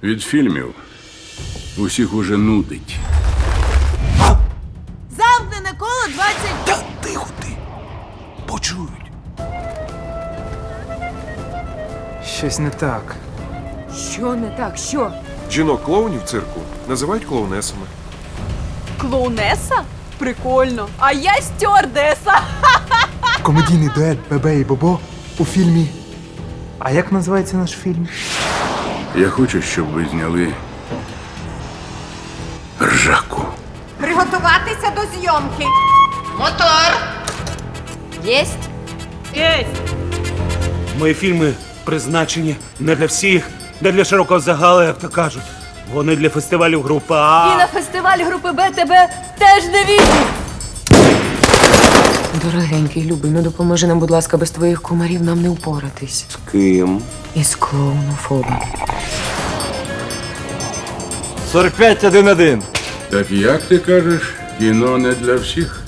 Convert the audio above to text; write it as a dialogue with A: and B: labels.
A: Від фільмів усіх уже нудить.
B: Замкнене коло 20...
C: Та тихо ти! Почують.
D: Щось не так.
B: Що не так? Що?
C: Жінок-клоунів в цирку називають клоунесами.
E: Клоунеса? Прикольно. А я стюардеса.
D: Комедійний дует Бебе і Бобо у фільмі. А як називається наш фільм?
A: Я хочу, щоб ви зняли ржаку.
B: Приготуватися до зйомки. Мотор! Єсть?
F: Мої фільми призначені не для всіх, не для широкого загалу, як то кажуть. Вони для фестивалю групи А.
E: І на фестиваль групи Б тебе теж не візьмуть.
G: Дорогенький, любий, ну допоможи нам, будь ласка, без твоїх кумарів нам не впоратись.
C: З ким?
G: Із клоунофобом.
H: 45-1-1.
A: Так як ти кажеш, кіно не для всіх?